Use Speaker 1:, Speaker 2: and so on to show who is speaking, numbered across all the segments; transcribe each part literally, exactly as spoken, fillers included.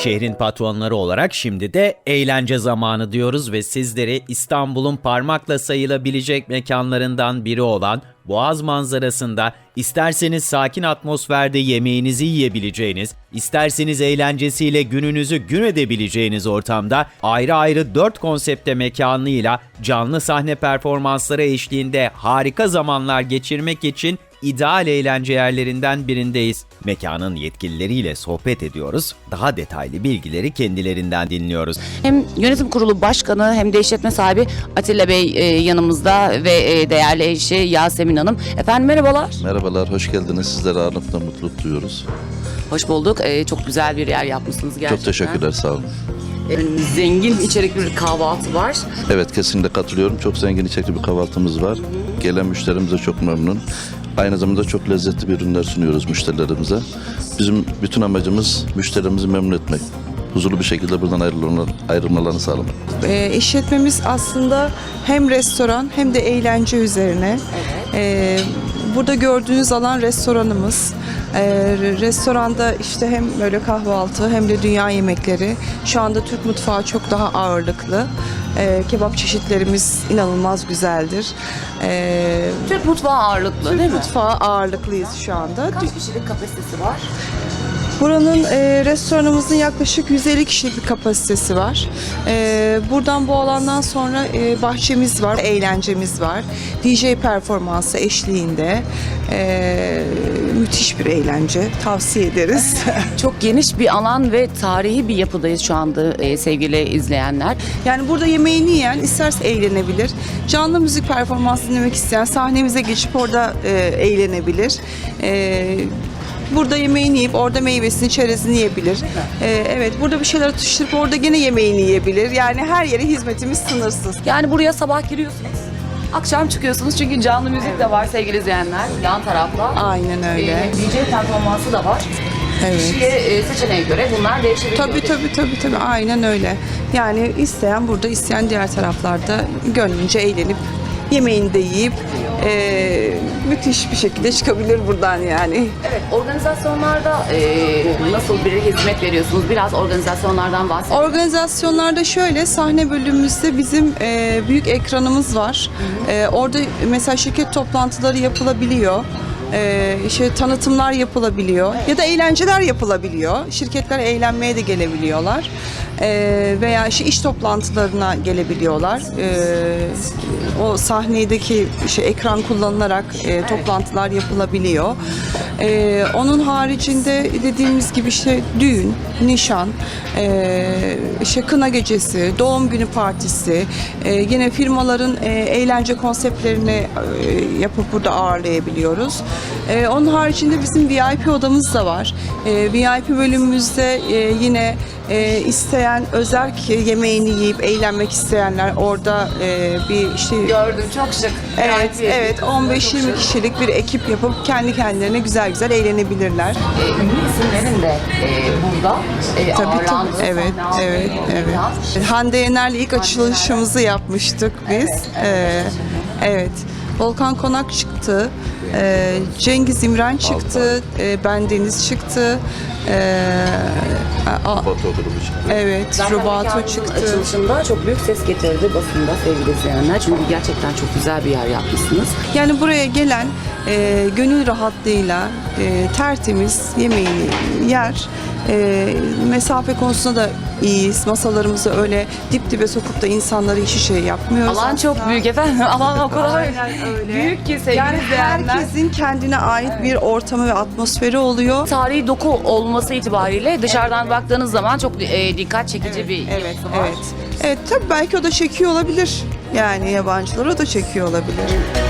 Speaker 1: Şehrin patronları olarak şimdi de eğlence zamanı diyoruz ve sizleri İstanbul'un parmakla sayılabilecek mekanlarından biri olan Boğaz manzarasında isterseniz sakin atmosferde yemeğinizi yiyebileceğiniz, isterseniz eğlencesiyle gününüzü gün edebileceğiniz ortamda ayrı ayrı dört konsepte mekanıyla canlı sahne performansları eşliğinde harika zamanlar geçirmek için ideal eğlence yerlerinden birindeyiz. Mekanın yetkilileriyle sohbet ediyoruz, daha detaylı bilgileri kendilerinden dinliyoruz.
Speaker 2: Hem yönetim kurulu başkanı hem de işletme sahibi Atilla Bey e, yanımızda ve e, değerli eşi Yasemin Hanım. Efendim merhabalar.
Speaker 3: Merhabalar, hoş geldiniz. Sizlere ağırlıkla mutluluk duyuyoruz.
Speaker 2: Hoş bulduk. E, çok güzel bir yer yapmışsınız gerçekten.
Speaker 3: Çok teşekkürler, sağ olun.
Speaker 2: E, zengin içerikli bir kahvaltı var.
Speaker 3: Evet, kesinlikle katılıyorum. Çok zengin içerikli bir kahvaltımız var. Gelen müşterimiz de çok memnun. Aynı zamanda çok lezzetli bir ürünler sunuyoruz müşterilerimize. Bizim bütün amacımız müşterimizi memnun etmek. Huzurlu bir şekilde buradan ayrılmalarını sağlamak.
Speaker 4: E, işletmemiz aslında hem restoran hem de eğlence üzerine.
Speaker 2: Evet.
Speaker 4: E, burada gördüğünüz alan restoranımız. E, restoranda işte hem böyle kahvaltı hem de dünya yemekleri. Şu anda Türk mutfağı çok daha ağırlıklı. E, kebap çeşitlerimiz inanılmaz güzeldir. E,
Speaker 2: Türk mutfağı ağırlıklı
Speaker 4: Türk
Speaker 2: değil mi?
Speaker 4: mutfağı ağırlıklıyız şu anda.
Speaker 2: Kaç kişilik kapasitesi var?
Speaker 4: Buranın e, restoranımızın yaklaşık yüz elli kişilik bir kapasitesi var. E, buradan bu alandan sonra e, bahçemiz var, eğlencemiz var. D J performansı eşliğinde e, müthiş bir eğlence. Tavsiye ederiz.
Speaker 2: Çok geniş bir alan ve tarihi bir yapıdayız şu anda e, sevgili izleyenler.
Speaker 4: Yani burada yemeğini yiyen isterse eğlenebilir. Canlı müzik performansı dinlemek isteyen sahnemize geçip orada e, eğlenebilir. E, Burada yemeğini yiyip orada meyvesini, çerezini yiyebilir. Ee, evet, burada bir şeyler atıştırıp orada gene yemeğini yiyebilir. Yani her yere hizmetimiz sınırsız.
Speaker 2: Yani buraya sabah giriyorsunuz, akşam çıkıyorsunuz çünkü canlı müzik de var sevgili izleyenler. Yan tarafta.
Speaker 4: Aynen öyle.
Speaker 2: E, D J performansı da var.
Speaker 4: Evet.
Speaker 2: Kişiye e, seçeneğe göre bunlar değişebiliyor.
Speaker 4: Tabii tabii tabii tabii aynen öyle. Yani isteyen burada, isteyen diğer taraflarda gönlünce eğlenip yemeğini de yiyip e, müthiş bir şekilde çıkabilir buradan yani.
Speaker 2: Evet, organizasyonlarda e, nasıl bir hizmet veriyorsunuz? Biraz organizasyonlardan bahsedin.
Speaker 4: Organizasyonlarda şöyle, sahne bölümümüzde bizim e, büyük ekranımız var. E, orada mesela şirket toplantıları yapılabiliyor. Ee, işte tanıtımlar yapılabiliyor ya da eğlenceler yapılabiliyor. Şirketler eğlenmeye de gelebiliyorlar. Ee, veya işte iş toplantılarına gelebiliyorlar. Ee, o sahnedeki işte ekran kullanılarak e, toplantılar yapılabiliyor. Ee, onun haricinde dediğimiz gibi işte düğün, nişan, e, işte kına gecesi, doğum günü partisi, e, yine firmaların e, eğlence konseptlerini e, yapıp burada ağırlayabiliyoruz. E, onun haricinde bizim V I P odamız da var. E, V I P bölümümüzde e, yine e, isteyen özerk yemeğini yiyip eğlenmek isteyenler orada e, bir işte
Speaker 2: Gördüm, çok şık.
Speaker 4: evet evet on beş yirmi kişilik bir ekip yapıp kendi kendilerine güzel güzel eğlenebilirler.
Speaker 2: E, ünlü isimlerin de e, burada e,
Speaker 4: Tabii tabii.
Speaker 2: ağırlandığı
Speaker 4: Evet,
Speaker 2: sahne
Speaker 4: evet,
Speaker 2: aldığı
Speaker 4: evet.
Speaker 2: mekan.
Speaker 4: Hande Yener'le ilk açılışımızı yapmıştık biz.
Speaker 2: Evet, evet.
Speaker 4: Ee, evet. Volkan Konak çıktı. Ee, Cengiz İmren çıktı. Ee, ben Deniz çıktı. Ee, a-
Speaker 3: Batı grubu için.
Speaker 4: evet,
Speaker 2: Zaten
Speaker 4: Rubato
Speaker 2: mekanın
Speaker 4: çıktı.
Speaker 2: açılışında çok büyük ses getirdi basında sevgili izleyenler. Çünkü gerçekten çok güzel bir yer yapmışsınız.
Speaker 4: Yani buraya gelen e, gönül rahatlığıyla e, tertemiz yemeğini yer. E, mesafe konusunda da iyiyiz. Masalarımızı öyle dip dibe sokup da insanları iç içe yapmıyoruz.
Speaker 2: Alan çok
Speaker 4: Aslında.
Speaker 2: büyük efendim. Alan o kadar
Speaker 4: Aynen öyle.
Speaker 2: büyük ki sevgili
Speaker 4: Yani
Speaker 2: izleyenler.
Speaker 4: herkesin kendine ait bir ortamı ve atmosferi oluyor.
Speaker 2: Tarihi doku olması itibariyle dışarıdan baktığınız zaman çok e, dikkat çekici bir
Speaker 4: Evet,
Speaker 2: yapısı var.
Speaker 4: evet. Evet, tabii belki o da çekiyor olabilir. Yani yabancılar o da çekiyor olabilir.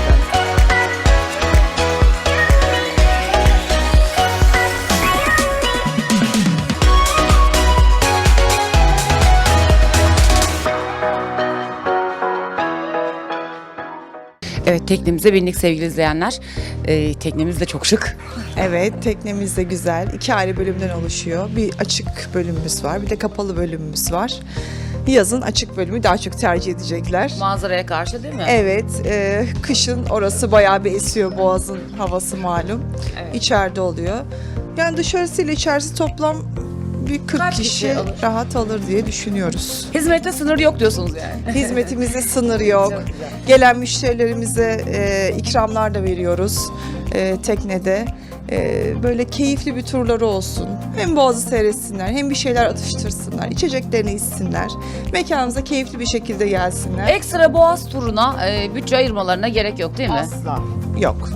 Speaker 2: Evet, teknemize bindik sevgili izleyenler. Ee, teknemiz de çok şık.
Speaker 4: Evet, teknemiz de güzel. İki ayrı bölümden oluşuyor. Bir açık bölümümüz var, bir de kapalı bölümümüz var. Yazın açık bölümü daha çok tercih edecekler.
Speaker 2: Manzaraya karşı değil mi?
Speaker 4: Evet, e, kışın orası bayağı bir esiyor, Boğaz'ın havası malum.
Speaker 2: Evet.
Speaker 4: İçeride oluyor. Yani dışarısıyla içerisi toplam
Speaker 5: bir kırk
Speaker 2: Kaç
Speaker 5: kişi,
Speaker 2: kişi alır?
Speaker 5: rahat alır diye düşünüyoruz.
Speaker 2: Hizmette sınır yok diyorsunuz yani.
Speaker 5: Hizmetimize sınır yok. Gelen müşterilerimize e, ikramlar da veriyoruz e, teknede. E, böyle keyifli bir turları olsun. Hem boğazı seyretsinler, hem bir şeyler atıştırsınlar, içeceklerini içsinler. Mekanımıza keyifli bir şekilde gelsinler.
Speaker 2: Ekstra boğaz turuna e, bütçe ayırmalarına gerek yok değil mi?
Speaker 5: Asla yok.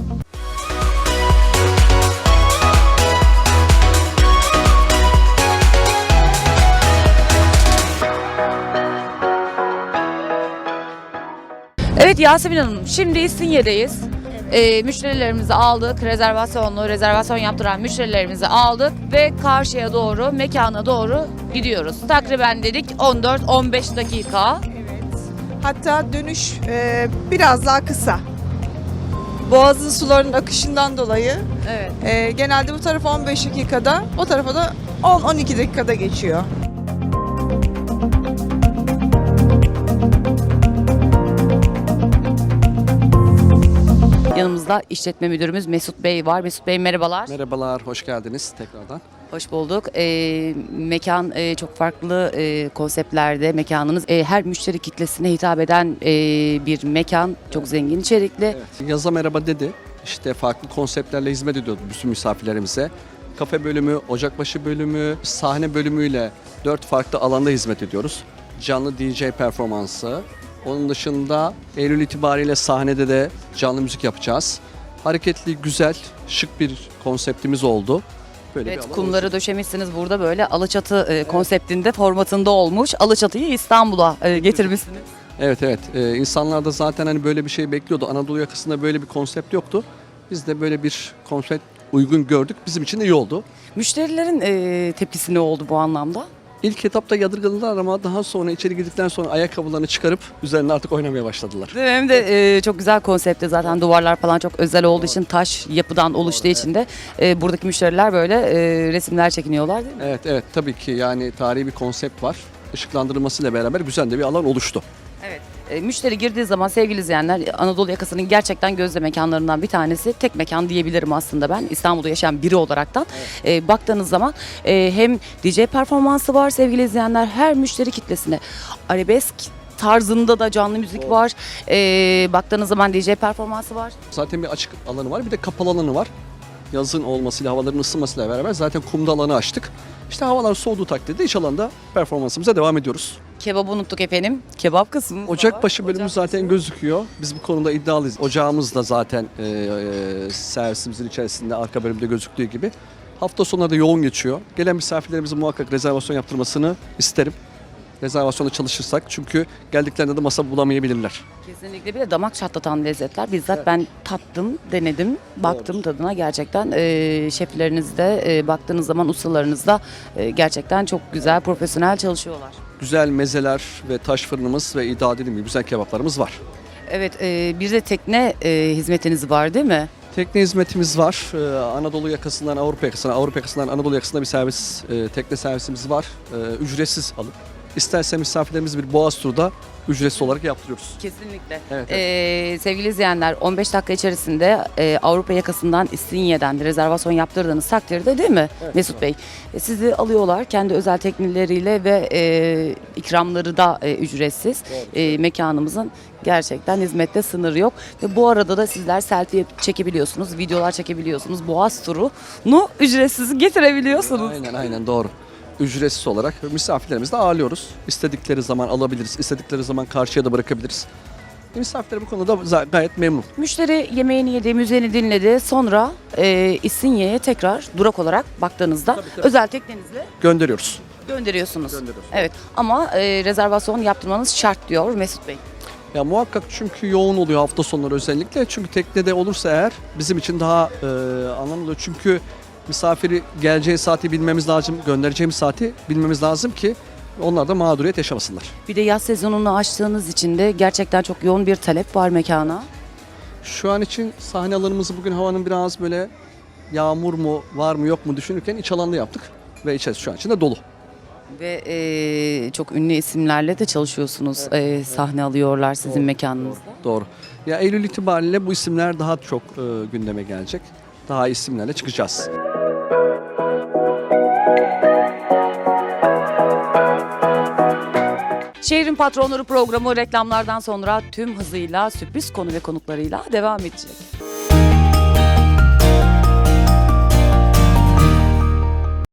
Speaker 2: Evet Yasemin Hanım, şimdi İstinye'deyiz. Ee, müşterilerimizi aldık, rezervasyonlu, rezervasyon yaptıran müşterilerimizi aldık ve karşıya doğru, mekana doğru gidiyoruz. Takriben dedik on dört on beş dakika.
Speaker 5: Hatta dönüş e, biraz daha kısa. Boğazın sularının akışından dolayı
Speaker 2: Evet.
Speaker 5: e, genelde bu tarafa on beş dakikada, o tarafa da on on iki dakikada geçiyor.
Speaker 2: Yanımızda işletme müdürümüz Mesut Bey var. Mesut Bey merhabalar.
Speaker 6: Merhabalar, hoş geldiniz tekrardan.
Speaker 2: Hoş bulduk. Ee, mekan e, çok farklı e, konseptlerde mekanınız. E, her müşteri kitlesine hitap eden e, bir mekan. Çok zengin içerikli.
Speaker 6: Evet, yaza merhaba dedi. İşte farklı konseptlerle hizmet ediyordu bütün misafirlerimize. Kafe bölümü, ocakbaşı bölümü, sahne bölümüyle dört farklı alanda hizmet ediyoruz. Canlı D J performansı. Onun dışında Eylül itibariyle sahnede de canlı müzik yapacağız. Hareketli, güzel, şık bir konseptimiz oldu. Böyle bir
Speaker 2: Evet,
Speaker 6: alan
Speaker 2: kumları
Speaker 6: olacak.
Speaker 2: döşemişsiniz burada böyle Alaçatı e, konseptinde, formatında olmuş. Alaçatı'yı İstanbul'a e, getirmişsiniz.
Speaker 6: Evet evet. Ee, insanlar da zaten hani böyle bir şey bekliyordu. Anadolu yakasında böyle bir konsept yoktu. Biz de böyle bir konsept uygun gördük. Bizim için de iyi oldu.
Speaker 2: Müşterilerin e, tepkisi ne oldu bu anlamda?
Speaker 6: İlk etapta yadırgadılar ama daha sonra içeri girdikten sonra ayakkabılarını çıkarıp üzerine artık oynamaya başladılar.
Speaker 2: Değil mi? Hem de e, çok güzel konsepti zaten, duvarlar falan çok özel olduğu için, taş yapıdan oluştuğu için de e, buradaki müşteriler böyle e, resimler çekiniyorlar değil mi?
Speaker 6: Evet evet tabii ki yani tarihi bir konsept var. Işıklandırılmasıyla beraber güzel de bir alan oluştu.
Speaker 2: Evet. E, müşteri girdiği zaman sevgili izleyenler, Anadolu yakasının gerçekten gözde mekanlarından bir tanesi. Tek mekan diyebilirim aslında ben, İstanbul'da yaşayan biri olaraktan. E, baktığınız zaman e, hem D J performansı var sevgili izleyenler, her müşteri kitlesine arabesk tarzında da canlı müzik var. E, baktığınız zaman D J performansı var.
Speaker 6: Zaten bir açık alanı var bir de kapalı alanı var. Yazın olmasıyla havaların ısınmasıyla beraber zaten kumda alanı açtık. İşte havalar soğuduğu takdirde iç alanda performansımıza devam ediyoruz.
Speaker 2: Kebabı unuttuk efendim. Kebap kısmı.
Speaker 6: Ocakbaşı bölümü zaten gözüküyor. Biz bu konuda iddialıyız. Ocağımız da zaten e, e, servisimizin içerisinde arka bölümde gözüktüğü gibi. Hafta sonları da yoğun geçiyor. Gelen misafirlerimizin muhakkak rezervasyon yaptırmasını isterim. Rezervasyonda çalışırsak çünkü geldiklerinde de masa bulamayabilirler.
Speaker 2: Kesinlikle, bir de damak çatlatan lezzetler. Bizzat ben tattım, denedim, baktım tadına gerçekten. E, şefleriniz de e, baktığınız zaman ustalarınız da e, gerçekten çok güzel, profesyonel çalışıyorlar.
Speaker 6: Güzel mezeler ve taş fırınımız ve iddia dediğim gibi güzel kebaplarımız var.
Speaker 2: Evet, e, bir de tekne e, hizmetiniz var değil mi?
Speaker 6: Tekne hizmetimiz var. Ee, Anadolu yakasından Avrupa yakasına, Avrupa yakasından Anadolu yakasına bir servis, e, tekne servisimiz var. E, ücretsiz alıp isterse misafirlerimiz bir boğaz turu da ücretsiz olarak yaptırıyoruz.
Speaker 2: Kesinlikle.
Speaker 6: Evet,
Speaker 2: E, sevgili izleyenler, on beş dakika içerisinde e, Avrupa yakasından İstinye'den rezervasyon yaptırdığınız takdirde değil mi Mesut Bey? E, sizi alıyorlar kendi özel tekneleriyle ve e, ikramları da e, ücretsiz. E, mekanımızın gerçekten hizmette sınır yok. Ve bu arada da sizler selfie çekebiliyorsunuz, videolar çekebiliyorsunuz. Boğaz turunu ücretsiz getirebiliyorsunuz.
Speaker 6: Aynen aynen doğru. Ücretsiz olarak misafirlerimizi de ağırlıyoruz. İstedikleri zaman alabiliriz, istedikleri zaman karşıya da bırakabiliriz. E, misafirler bu konuda za- gayet memnun.
Speaker 2: Müşteri yemeğini yedi, müziğini dinledi. Sonra e, İstinye'ye tekrar durak olarak baktığınızda özel teknenizle
Speaker 6: Gönderiyoruz.
Speaker 2: gönderiyorsunuz.
Speaker 6: Gönderiyoruz.
Speaker 2: Evet, ama e, rezervasyon yaptırmanız şart diyor Mesut Bey.
Speaker 6: Ya muhakkak çünkü yoğun oluyor hafta sonları özellikle. Çünkü teknede olursa eğer bizim için daha e, anlamlı oluyor. Çünkü misafiri geleceği saati bilmemiz lazım, göndereceğimiz saati bilmemiz lazım ki onlar da mağduriyet yaşamasınlar.
Speaker 2: Bir de yaz sezonunu açtığınız için de gerçekten çok yoğun bir talep var mekana.
Speaker 6: Şu an için sahne alanımızı bugün havanın biraz böyle yağmur mu var mı yok mu düşünürken iç alanda yaptık. Ve içerisi şu an için de dolu.
Speaker 2: Ve e, çok ünlü isimlerle de çalışıyorsunuz. E, sahne alıyorlar sizin mekanınızda.
Speaker 6: Doğru. Ya Eylül itibariyle bu isimler daha çok e, gündeme gelecek. Daha isimlerle çıkacağız.
Speaker 2: Şehrin Patronları programı reklamlardan sonra tüm hızıyla sürpriz konu ve konuklarıyla devam edecek.